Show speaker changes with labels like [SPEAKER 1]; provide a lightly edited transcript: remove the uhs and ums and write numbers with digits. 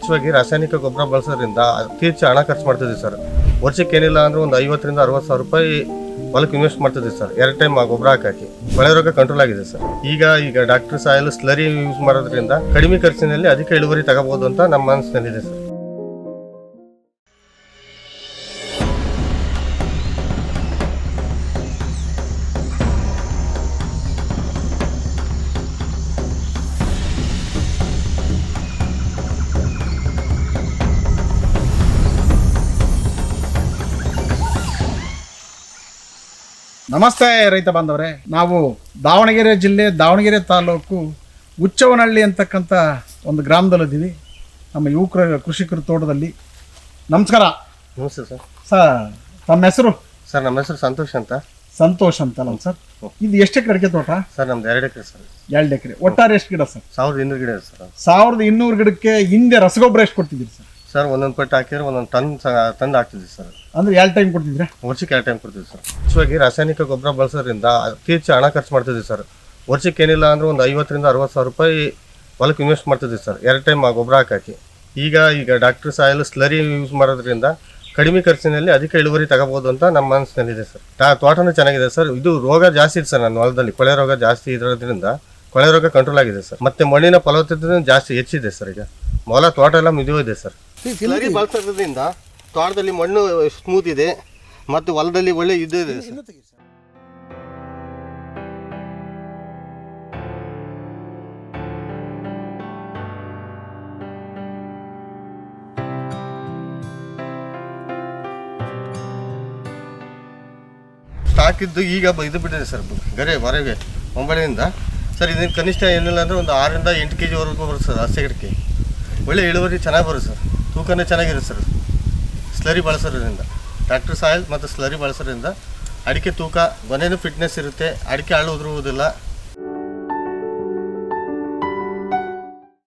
[SPEAKER 1] ಹೆಚ್ಚಾಗಿ ರಾಸಾಯನಿಕ ಗೊಬ್ಬರ ಬಳಸೋದ್ರಿಂದ ಅತಿ ಹೆಚ್ಚು ಹಣ ಖರ್ಚು ಮಾಡ್ತಿದ್ವಿ ಸರ್. ವರ್ಷಕ್ಕೆ ಏನಿಲ್ಲ ಅಂದ್ರೆ ಒಂದು 50,000 ರಿಂದ 60,000 ರೂಪಾಯಿ ಹೊಲಕ್ಕೆ ಇನ್ವೆಸ್ಟ್ ಮಾಡ್ತಿದ್ವಿ ಸರ್. 2 ಟೈಮ್ ಗೊಬ್ಬರ ಹಾಕಿ ಕೊಳೆ ರೋಗ ಕಂಟ್ರೋಲ್ ಆಗಿದೆ ಸರ್. ಈಗ ಡಾಕ್ಟರ್ ಸಾಯಿಲ್ ಸ್ಲರಿ ಯೂಸ್ ಮಾಡೋದ್ರಿಂದ ಕಡಿಮೆ ಖರ್ಚಿನಲ್ಲಿ ಅಧಿಕ ಇಳುವರಿ ತಗೋಬಹುದು ಅಂತ ನಮ್ಮ ಮನಸ್ಸಿನಲ್ಲಿದೆ ಸರ್.
[SPEAKER 2] ನಮಸ್ತೆ ರೈತ ಬಾಂಧವರೇ, ನಾವು ದಾವಣಗೆರೆ ಜಿಲ್ಲೆ ದಾವಣಗೆರೆ ತಾಲೂಕು ಹುಚ್ಚವ್ವನಹಳ್ಳಿ ಅಂತಕ್ಕಂಥ ಒಂದು ಗ್ರಾಮದಲ್ಲಿದ್ದೀವಿ. ನಮ್ಮ ಯುವಕರ ಕೃಷಿಕರ ತೋಟದಲ್ಲಿ. ನಮಸ್ಕಾರ.
[SPEAKER 1] ನಮಸ್ತೆ ಸರ್.
[SPEAKER 2] ಸರ್ ತಮ್ಮ ಹೆಸರು?
[SPEAKER 1] ಸರ್ ನಮ್ಮ ಹೆಸರು ಸಂತೋಷ್ ಅಂತ.
[SPEAKER 2] ಸಂತೋಷ್ ಅಂತಲ್ಲ ಸರ್. ಇದು ಎಷ್ಟು ಎಕರೆ ಅಡಿಕೆ ತೋಟ?
[SPEAKER 1] ಸರ್ ನಮ್ದು 2 ಎಕರೆ ಸರ್.
[SPEAKER 2] 2 ಎಕರೆ. ಒಟ್ಟಾರೆ ಎಷ್ಟು ಗಿಡ ಸರ್?
[SPEAKER 1] 1200 ಗಿಡ ಸರ್.
[SPEAKER 2] 1200 ಗಿಡಕ್ಕೆ ಹಿಂದೆ ರಸಗೊಬ್ಬರ ಎಷ್ಟು ಕೊಡ್ತಿದ್ದೀರಿ ಸರ್?
[SPEAKER 1] ಸರ್ ಒಂದೊಂದು ಪಟ್ಟು ಹಾಕಿದ್ರೆ ಒಂದೊಂದು ತಂದು ಹಾಕ್ತಿದ್ವಿ ಸರ್.
[SPEAKER 2] ಅಂದ್ರೆ 2 ಟೈಮ್ ಕೊಡ್ತಿದ್ರೆ?
[SPEAKER 1] ವರ್ಷಕ್ಕೆ 2 ಟೈಮ್ ಕೊಡ್ತೀವಿ ಸರ್. ಹೆಚ್ಚಾಗಿ ರಾಸಾಯನಿಕ ಗೊಬ್ಬರ ಬಳಸೋದ್ರಿಂದ ಅತಿ ಹೆಚ್ಚು ಹಣ ಖರ್ಚು ಮಾಡ್ತಿದ್ವಿ ಸರ್. ವರ್ಷಕ್ಕೆ ಏನಿಲ್ಲ ಅಂದ್ರೆ ಒಂದು 50,000 ರಿಂದ 60,000 ರೂಪಾಯಿ ಹೊಲಕ್ಕೆ ಇನ್ವೆಸ್ಟ್ ಮಾಡ್ತಿದ್ವಿ ಸರ್. 2 ಟೈಮ್ ಗೊಬ್ಬರ ಹಾಕಿ ಈಗ ಡಾಕ್ಟರ್ ಸಾಯಿಲ್ ಸ್ಲರಿ ಯೂಸ್ ಮಾಡೋದ್ರಿಂದ ಕಡಿಮೆ ಖರ್ಚಿನಲ್ಲಿ ಅಧಿಕ ಇಳುವರಿ ತಗೋಬಹುದು ಅಂತ ನಮ್ಮ ಮನಸ್ಸಿನಲ್ಲಿದೆ ಸರ್. ತೋಟನೂ ಚೆನ್ನಾಗಿದೆ ಸರ್. ಇದು ರೋಗ ಜಾಸ್ತಿ ಇದೆ ಸರ್ ನನ್ನ ಹೊಲದಲ್ಲಿ. ಕೊಳೆ ರೋಗ ಜಾಸ್ತಿ ಇರೋದ್ರಿಂದ ಕೊಳೆ ರೋಗ ಕಂಟ್ರೋಲ್ ಆಗಿದೆ ಸರ್. ಮತ್ತೆ ಮಣ್ಣಿನ ಫಲವತ್ತತೆ ಜಾಸ್ತಿ ಹೆಚ್ಚಿದೆ ಸರ್. ಈಗ ಮೊಲ ತೋಟ ಎಲ್ಲ ಮಿದುವಿದೆ ಸರ್. ಸ್ಲರಿ ಬಳಸೋದ್ರಿಂದ ತೋಟದಲ್ಲಿ ಮಣ್ಣು ಸ್ಮೂತ್ ಇದೆ ಮತ್ತು ಹೊಲದಲ್ಲಿ ಒಳ್ಳೆ ಇದು ಇದೆ ಸರ್. ಸ್ಟಾಕ್ ಇದ್ದು ಈಗ ಇದು ಬಿಟ್ಟಿದೆ ಸರ್ ಗರೆ ಹೊರಗೆ ಮುಂಬೈನಿಂದ ಸರ್. ಇದನ್ನು ಕನಿಷ್ಠ ಏನಿಲ್ಲ ಅಂದರೆ ಒಂದು 6 ರಿಂದ 8 kg ವರೆಗೂ ಬರುತ್ತೆ ಸರ್. 10 ಗಿಡಕ್ಕೆ ಒಳ್ಳೆ ಇಳುವರಿ ಚೆನ್ನಾಗಿ ಬರುತ್ತೆ ಸರ್. ತೂಕನೇ ಚೆನ್ನಾಗಿರುತ್ತೆ ಸರ್ ಸ್ಲರಿ ಬಳಸೋದ್ರಿಂದ. ಡಾಕ್ಟರ್ ಸಾಯಿಲ್ ಮತ್ತು ಸ್ಲರಿ ಬಳಸೋದ್ರಿಂದ ಅಡಿಕೆ ತೂಕ ಗೊನೆನೂ ಫಿಟ್ನೆಸ್ ಇರುತ್ತೆ. ಅಡಿಕೆ ಹಾಳು ಉದುರುವುದಿಲ್ಲ.